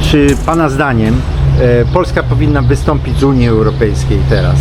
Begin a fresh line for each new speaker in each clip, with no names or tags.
Czy Pana zdaniem Polska powinna wystąpić z Unii Europejskiej teraz?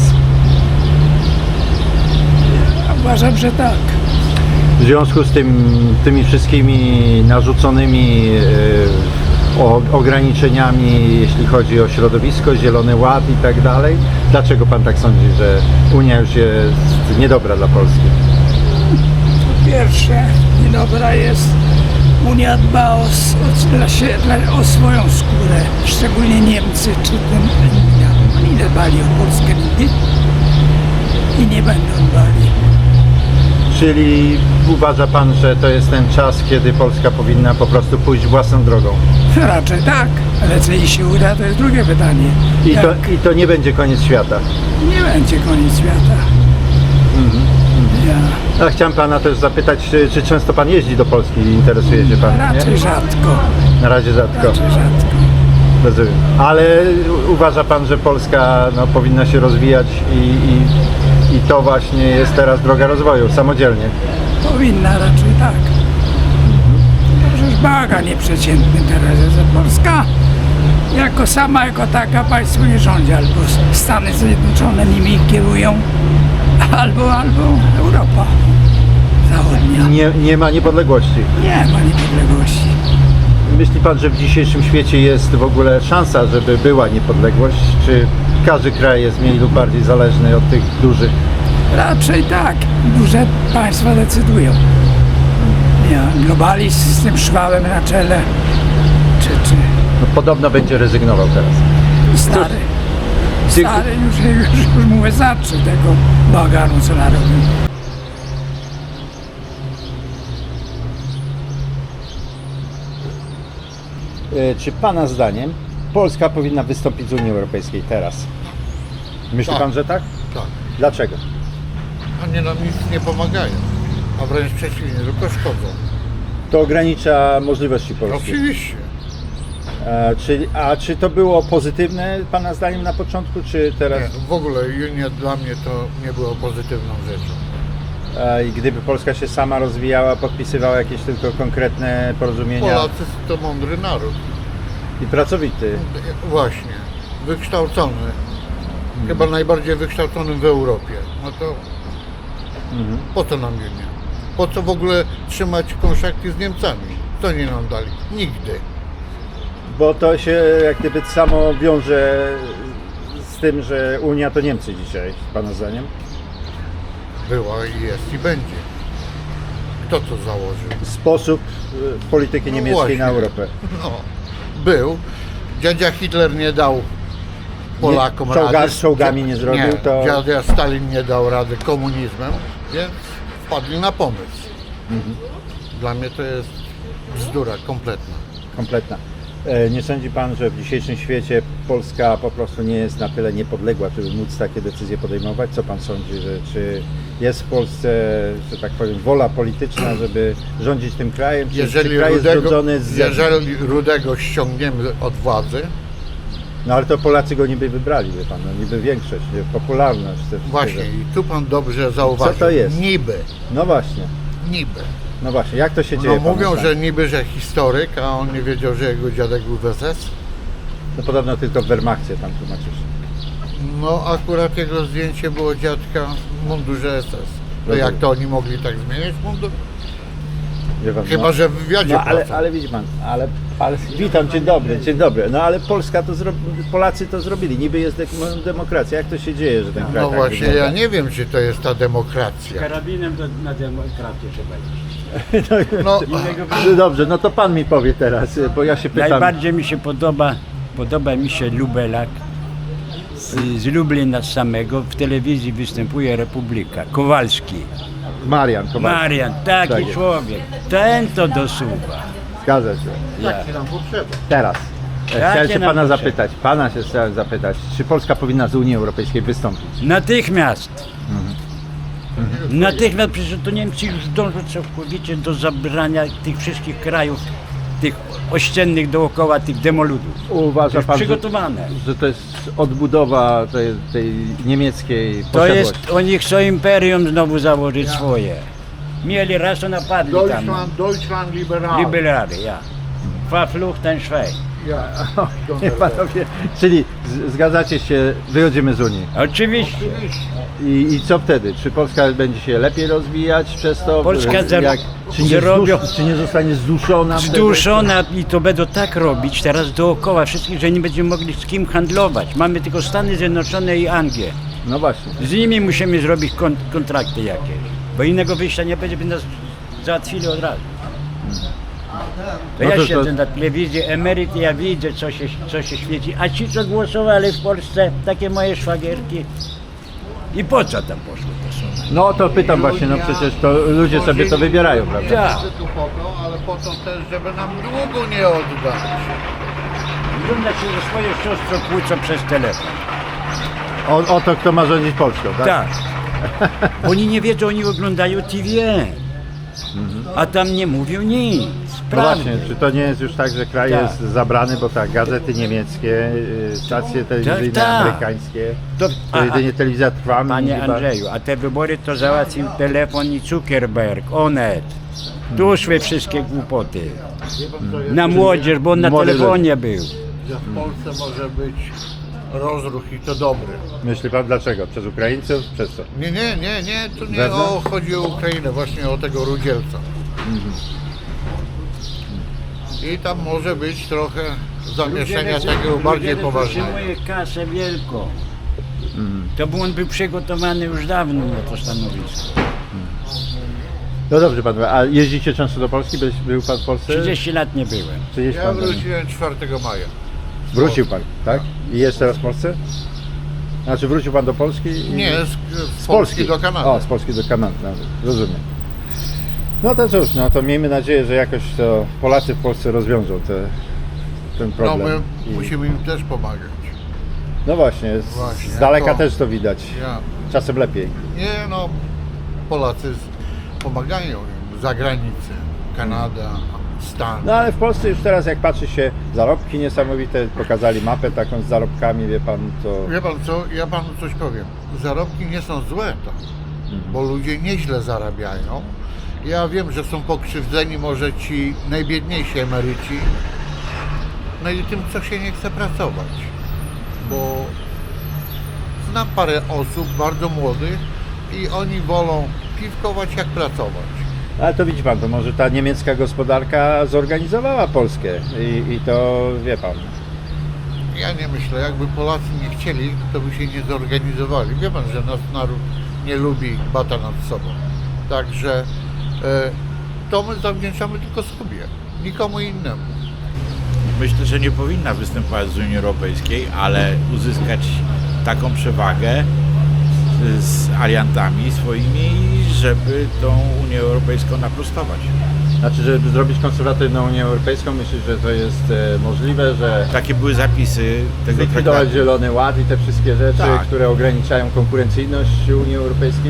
Uważam, że tak.
W związku z tymi wszystkimi narzuconymi ograniczeniami, jeśli chodzi o środowisko, Zielony Ład i tak dalej, dlaczego Pan tak sądzi, że Unia już jest niedobra dla Polski?
Po pierwsze, niedobra jest, Unia dba o swoją skórę, szczególnie Niemcy czy ten Unia. Oni dbali o Polskę nigdy i nie będą dbali.
Czyli uważa Pan, że to jest ten czas, kiedy Polska powinna po prostu pójść własną drogą?
Raczej tak, ale czy jej się uda, to jest drugie pytanie.
I to nie będzie koniec świata.
Nie będzie koniec świata. Ja
A chciałem Pana też zapytać, czy często Pan jeździ do Polski i interesuje się Pan?
raczej
Nie?
rzadko.
Na razie rzadko.
Raczej rzadko.
Rozumiem. Ale uważa Pan, że Polska powinna się rozwijać i to właśnie jest teraz droga rozwoju, samodzielnie?
Powinna raczej tak. To przecież baga nieprzeciętny teraz jest, że Polska jako taka państwo nie rządzi, albo Stany Zjednoczone nimi kierują, albo Europa Zachodnia.
Nie ma niepodległości.
Nie ma niepodległości.
Myśli Pan, że w dzisiejszym świecie jest w ogóle szansa, żeby była niepodległość? Czy każdy kraj jest mniej lub bardziej zależny od tych dużych?
Raczej tak. Duże państwa decydują. Globalizm z tym Szwabem na czele, czy
No, podobno będzie rezygnował teraz.
stary. Stary już mu wystarczy tego bałaganu, co narobił.
Czy Pana zdaniem Polska powinna wystąpić z Unii Europejskiej teraz? Myśli
Tak.
Pan, że tak?
Tak.
Dlaczego?
Oni nam nic nie pomagają, a wręcz przeciwnie, tylko szkodzą.
To ogranicza możliwości Polski.
Oczywiście.
Czy to było pozytywne Pana zdaniem na początku, czy teraz?
Nie, w ogóle Unia dla mnie to nie było pozytywną rzeczą.
I gdyby Polska się sama rozwijała, podpisywała jakieś tylko konkretne porozumienia
Polacy to mądry naród.
i pracowity.
Właśnie. Wykształcony. Chyba najbardziej wykształcony w Europie. No to po co nam Unia? Po co w ogóle trzymać kontakty z Niemcami? Co nie nam dali? Nigdy.
Bo to się jak gdyby samo wiąże z tym, że Unia to Niemcy dzisiaj, Pana zdaniem?
Była i jest i będzie. Kto to założył?
Sposób polityki niemieckiej
właśnie.
na Europę.
No, był. Dziadzia Hitler nie dał Polakom rady.
Z czołgami nie zrobił,
Nie,
to...
dziadzia Stalin nie dał rady komunizmem, więc wpadli na pomysł. Dla mnie to jest bzdura kompletna.
Kompletna. Nie sądzi Pan, że w dzisiejszym świecie Polska po prostu nie jest na tyle niepodległa, żeby móc takie decyzje podejmować? Co Pan sądzi, że jest w Polsce, że tak powiem, wola polityczna, żeby rządzić tym krajem? Czy kraj jest rządzony z...
Jeżeli Rudego ściągniemy od władzy,
No ale to Polacy go niby wybrali, wie Pan, no, niby większość, popularność. Te
właśnie,
wszystkiego.
i tu pan dobrze zauważył.
Co to jest?
Niby.
No właśnie,
Niby.
no właśnie, jak to się dzieje?
No
Pana
mówią,
zdaniem?
że niby, że historyk, a on nie wiedział, że jego dziadek był w SS.
No podobno tylko w Wehrmachcie tam tłumaczysz.
No akurat jego zdjęcie było dziadka w mundurze SS. To
Rozumiem.
jak to oni mogli tak zmieniać mundur?
Wie pan,
Chyba, że w wywiadzie
No ale
pracował.
widzi Pan, ale witam, dzień dobry. No ale Polska to Polacy to zrobili, niby jest demokracja. Jak to się dzieje, że ten kraj
No
tak
właśnie,
wygląda?
ja nie wiem, czy to jest ta demokracja.
Karabinem na demokrację trzeba iść.
No,
No dobrze, no to Pan mi powie teraz, bo ja się pytam.
Najbardziej mi się podoba mi się Lubelak z Lublina samego. W telewizji występuje Republika. Kowalski.
Marian Kowalski.
Marian, taki
Tak jest.
człowiek. Ten to dosuwa.
Zgadza się.
tak nam potrzeba.
Teraz.
Jakie
Chciałem się
nam
Pana
potrzeby?
zapytać, Pana się chciałem zapytać, czy Polska powinna z Unii Europejskiej wystąpić?
Natychmiast. Natychmiast, przecież to Niemcy już dążą całkowicie do zabrania tych wszystkich krajów, tych ościennych dookoła, tych demoludów. To
Uważa
już
Pan,
przygotowane.
że to jest odbudowa tej niemieckiej
To
posiadłości?
jest, oni chcą imperium znowu założyć swoje. Mieli raz, to napadli tam.
Deutschland liberal.
Liberale, ja. Verfluchten Schwein.
Ja.
Nie, panowie, czyli zgadzacie się, wychodzimy z Unii.
Oczywiście.
I co wtedy? Czy Polska będzie się lepiej rozwijać przez to?
Polska
Czy nie zostanie zduszona? wtedy?
Zduszona i to będą tak robić teraz dookoła wszystkich, że nie będziemy mogli z kim handlować. Mamy tylko Stany Zjednoczone i Anglię.
No właśnie.
Z nimi musimy zrobić kontrakty jakieś, bo innego wyjścia nie będzie, by nas załatwili od razu. To
No
ja
to-
siedzę na telewizji, emeryt, ja widzę co się świeci, a ci co głosowali w Polsce, takie moje szwagierki, i po co tam poszły te sumy?
No to pytam właśnie, no przecież to ludzie sobie to wybierają, prawda?
Tak.
Tu po to, ale po to też, żeby nam długu nie oddać.
Wygląda się, że swoje siostrą kłócą przez telefon.
O to, kto ma rządzić Polską, tak?
Tak. Oni nie wiedzą, oni oglądają TVN, a tam nie mówią nic.
No
Prawdy.
właśnie, czy to nie jest już tak, że kraj
Tak.
jest zabrany, bo tak, gazety niemieckie, stacje telewizyjne
tak.
amerykańskie,
To-
to jedynie telewizja trwa.
Panie
chyba-
Andrzeju, a te wybory to załatwił telefon i Zuckerberg, Onet. Tu szły wszystkie głupoty. Na młodzież, bo on na
Młody
telefonie był.
Że w Polsce może być rozruch i to dobry.
Myśli pan dlaczego? Przez Ukraińców? Przez co?
Nie, tu nie
Wewnątrz?
chodzi o Ukrainę, właśnie o tego Rudzielca. I tam może być trochę zamieszania takiego bardziej poważnego.
Potrzebuje kasę wielką. To by on był przygotowany już dawno na to stanowisko.
No dobrze pan, a jeździcie często do Polski? Był pan w Polsce?
30 lat nie byłem.
30
Ja
pan
wróciłem 4 maja.
Wrócił pan, tak? I jest teraz w Polsce? Znaczy wrócił pan do Polski?
Nie, z Polski do Kanady.
O, z Polski do Kanady, nawet. Rozumiem. No to cóż, no to miejmy nadzieję, że jakoś to Polacy w Polsce rozwiążą ten
No
problem.
my musimy im też pomagać.
No właśnie,
Właśnie,
z daleka
to-
też to widać.
Ja.
Czasem lepiej.
Nie no, Polacy pomagają im za granicę. Kanada, Stany.
No ale w Polsce już teraz jak patrzy się, zarobki niesamowite, pokazali mapę taką z zarobkami, wie pan, to...
Wie pan co, ja panu coś powiem. Zarobki nie są złe tam, bo ludzie nieźle zarabiają. Ja wiem, że są pokrzywdzeni może ci najbiedniejsi emeryci, no i tym, co się nie chce pracować. Bo znam parę osób bardzo młodych i oni wolą piwkować jak pracować.
Ale to widzi pan, to może ta niemiecka gospodarka zorganizowała Polskę i to wie pan.
Ja nie myślę, jakby Polacy nie chcieli, to by się nie zorganizowali. Wie pan, że nasz naród nie lubi bata nad sobą. Także to my zawdzięczamy tylko sobie, nikomu innemu.
Myślę, że nie powinna występować z Unii Europejskiej, ale uzyskać taką przewagę z aliantami swoimi, żeby tą Unię Europejską naprostować.
Znaczy, żeby zrobić konserwatywną Unię Europejską, myślisz, że to jest możliwe, że
Takie były zapisy tego
zlikwidować
traktatu.
Zielony Ład i te wszystkie rzeczy,
Tak.
które ograniczają konkurencyjność Unii Europejskiej?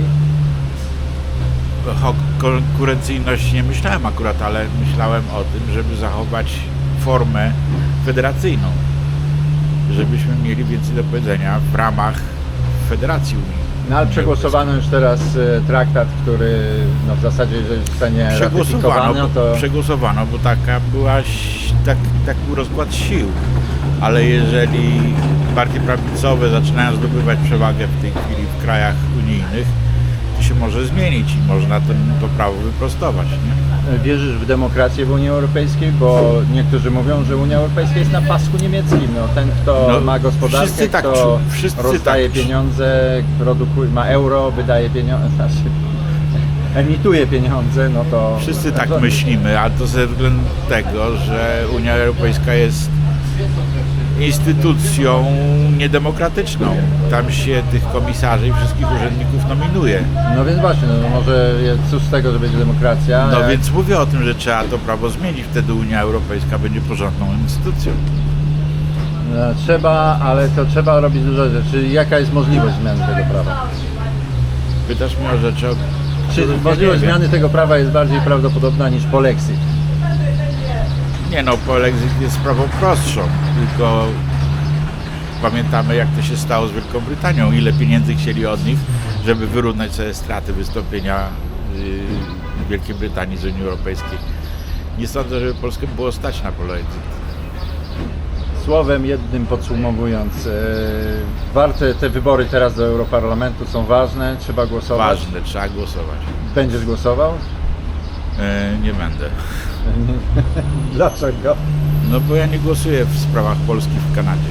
O konkurencyjności nie myślałem akurat, ale myślałem o tym, żeby zachować formę federacyjną. Żebyśmy mieli więcej do powiedzenia w ramach Federacji Unii.
No ale przegłosowano już teraz traktat, który no, w zasadzie, jeżeli zostanie ratyfikowany,
Przegłosowano, bo taki był rozkład sił. Ale jeżeli partie prawicowe zaczynają zdobywać przewagę w tej chwili w krajach unijnych, to się może zmienić i można to prawo wyprostować. Nie?
Wierzysz w demokrację w Unii Europejskiej? Bo niektórzy mówią, że Unia Europejska jest na pasku niemieckim. No, ten, kto
No,
ma gospodarkę,
wszyscy tak
kto
wszyscy
rozdaje
tak.
pieniądze, produkuje, ma euro, wydaje pieniądze, znaczy emituje pieniądze, no to...
Wszyscy tak myślimy, ale to ze względu tego, że Unia Europejska jest instytucją niedemokratyczną. Tam się tych komisarzy i wszystkich urzędników nominuje.
No więc właśnie, no może jest cóż z tego, że będzie demokracja.
No
jak-
więc mówię o tym, że trzeba to prawo zmienić, wtedy Unia Europejska będzie porządną instytucją.
No, trzeba, ale to trzeba robić dużo rzeczy. Jaka jest możliwość zmiany tego prawa?
Pytasz mnie o rzeczy, o
Czy
których ja
możliwość
nie wiem.
zmiany tego prawa jest bardziej prawdopodobna niż polexit?
Nie no, polexit jest sprawą prostszą, tylko pamiętamy jak to się stało z Wielką Brytanią, ile pieniędzy chcieli od nich, żeby wyrównać sobie straty wystąpienia Wielkiej Brytanii z Unii Europejskiej. Nie sądzę, żeby Polskę było stać na polexit.
Słowem jednym podsumowując, warte te wybory teraz do Europarlamentu są ważne, trzeba głosować.
Ważne, trzeba głosować.
Będziesz głosował?
Nie będę.
Dlaczego?
No bo ja nie głosuję w sprawach Polski w Kanadzie.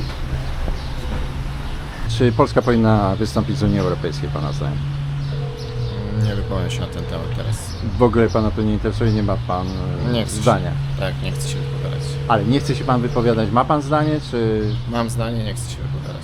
Czy Polska powinna wystąpić z Unii Europejskiej, Pana zdaniem?
Nie wypowiem się na ten temat teraz.
W ogóle Pana to nie interesuje, nie ma Pan
Nie chcę
zdania.
Się, tak, nie chcę się wypowiadać.
Ale nie chce się Pan wypowiadać, ma Pan zdanie, czy...
Mam zdanie, nie chcę się wypowiadać.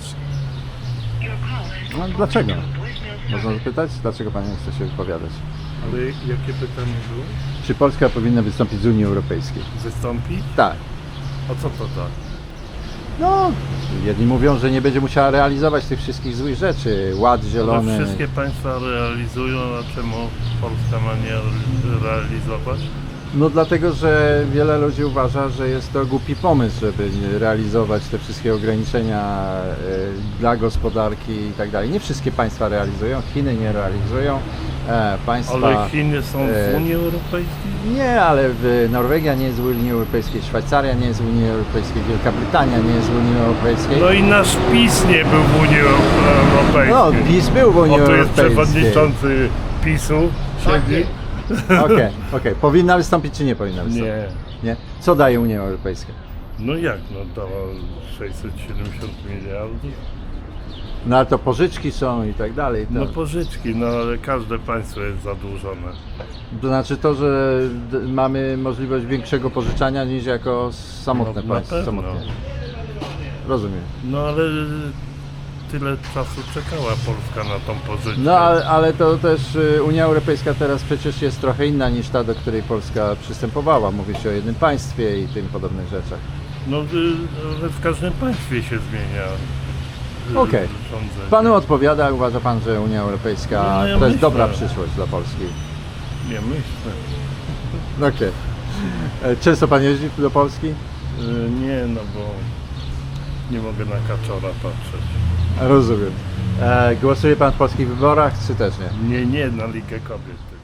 No, dlaczego? Można zapytać, dlaczego Pan nie chce się wypowiadać?
Ale jakie pytanie było?
Czy Polska powinna wystąpić z Unii Europejskiej?
Wystąpić?
Tak.
A co to tak?
No, jedni mówią, że nie będzie musiała realizować tych wszystkich złych rzeczy. Ład zielony.
Ale wszystkie państwa realizują, a czemu Polska ma nie realizować?
No dlatego, że wiele ludzi uważa, że jest to głupi pomysł, żeby realizować te wszystkie ograniczenia dla gospodarki i tak dalej. Nie wszystkie państwa realizują, Chiny nie realizują. Państwa,
Ale Chiny są w Unii Europejskiej?
Nie, ale Norwegia nie jest w Unii Europejskiej, Szwajcaria nie jest w Unii Europejskiej, Wielka Brytania nie jest w Unii Europejskiej.
No i nasz PiS nie był w Unii Europejskiej.
No, PiS był w Unii
O, tu jest
Europejskiej.
przewodniczący PiS-u, siedzi.
Okej. Powinna wystąpić czy nie powinna wystąpić?
Nie.
Nie? Co daje Unia Europejska?
No jak, no dała 670 miliardów.
No ale to pożyczki są i tak dalej.
No pożyczki, no ale każde państwo jest zadłużone.
To znaczy to, że mamy możliwość większego pożyczania niż jako samotne
No, na
państwo.
pewno.
Samotnie. Rozumiem.
No ale tyle czasu czekała Polska na tą pożyczkę.
No ale to też Unia Europejska teraz przecież jest trochę inna niż ta, do której Polska przystępowała. Mówi się o jednym państwie i tym podobnych rzeczach.
No ale w każdym państwie się zmienia.
Okej.
Rządzenie.
Panu odpowiada, uważa Pan, że Unia Europejska
No, ja
to jest
myślę.
dobra przyszłość dla Polski?
Nie myślę.
Okej. Często Pan jeździ do Polski?
Nie, no bo nie mogę na kaczora patrzeć.
Rozumiem. Głosuje Pan w polskich wyborach, czy też nie?
Nie, na Ligę Kobiet.